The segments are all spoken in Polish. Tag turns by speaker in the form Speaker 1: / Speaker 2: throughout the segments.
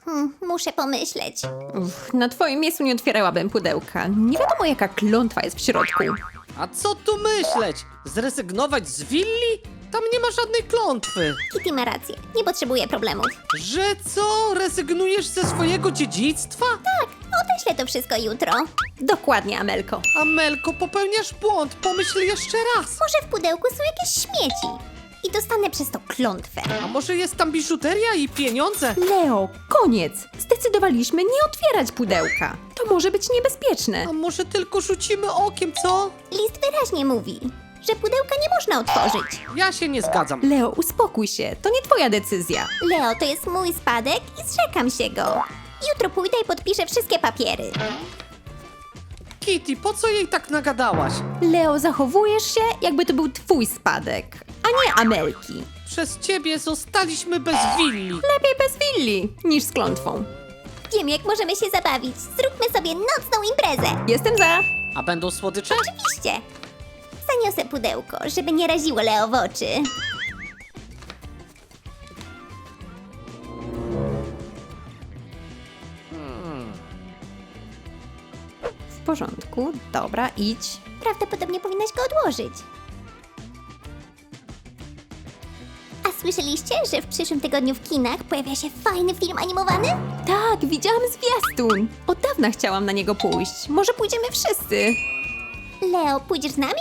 Speaker 1: Muszę pomyśleć.
Speaker 2: Na twoim miejscu nie otwierałabym pudełka. Nie wiadomo, jaka klątwa jest w środku.
Speaker 3: A co tu myśleć? Zrezygnować z willi? Tam nie ma żadnej klątwy.
Speaker 1: Kitty ma rację. Nie potrzebuję problemów.
Speaker 3: Że co? Rezygnujesz ze swojego dziedzictwa?
Speaker 1: Odeślę to wszystko jutro.
Speaker 2: Dokładnie, Amelko.
Speaker 3: Amelko, popełniasz błąd. Pomyśl jeszcze raz.
Speaker 1: Może w pudełku są jakieś śmieci. I dostanę przez to klątwę.
Speaker 3: A może jest tam biżuteria i pieniądze?
Speaker 2: Leo, koniec. Zdecydowaliśmy nie otwierać pudełka. To może być niebezpieczne.
Speaker 3: A może tylko rzucimy okiem, co?
Speaker 1: List wyraźnie mówi, że pudełka nie można otworzyć.
Speaker 3: Ja się nie zgadzam.
Speaker 2: Leo, uspokój się. To nie twoja decyzja.
Speaker 1: Leo, to jest mój spadek i zrzekam się go. Jutro pójdę i podpiszę wszystkie papiery.
Speaker 3: Kitty, po co jej tak nagadałaś?
Speaker 2: Leo, zachowujesz się, jakby to był twój spadek, a nie Amelki.
Speaker 3: Przez ciebie zostaliśmy bez willi.
Speaker 2: Lepiej bez willi niż z klątwą.
Speaker 1: Wiem, jak możemy się zabawić. Zróbmy sobie nocną imprezę.
Speaker 2: Jestem za.
Speaker 3: A będą słodycze?
Speaker 1: Oczywiście. Zaniosę pudełko, żeby nie raziło Leo w oczy.
Speaker 2: W porządku, dobra, idź.
Speaker 1: Prawdopodobnie powinnaś go odłożyć. A słyszeliście, że w przyszłym tygodniu w kinach pojawia się fajny film animowany?
Speaker 2: Tak, widziałam zwiastun. Od dawna chciałam na niego pójść. Może pójdziemy wszyscy.
Speaker 1: Leo, pójdziesz z nami?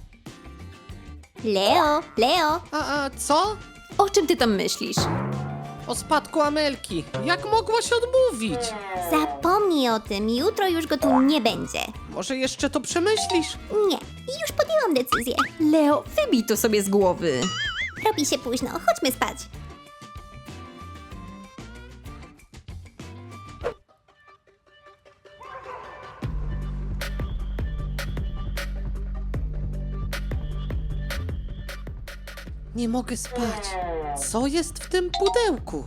Speaker 1: Leo.
Speaker 3: A co?
Speaker 2: O czym ty tam myślisz?
Speaker 3: O spadku Amelki. Jak mogłaś odmówić?
Speaker 1: Zapomnij o tym, jutro już go tu nie będzie.
Speaker 3: Może jeszcze to przemyślisz?
Speaker 1: Nie, już podjęłam decyzję.
Speaker 2: Leo, wybij to sobie z głowy.
Speaker 1: Robi się późno, chodźmy spać.
Speaker 3: Nie mogę spać. Co jest w tym pudełku?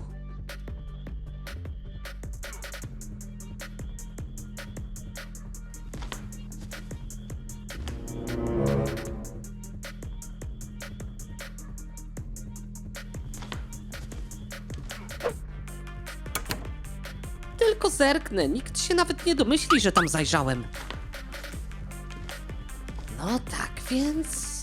Speaker 3: Tylko zerknę, nikt się nawet nie domyśli, że tam zajrzałem. No tak więc...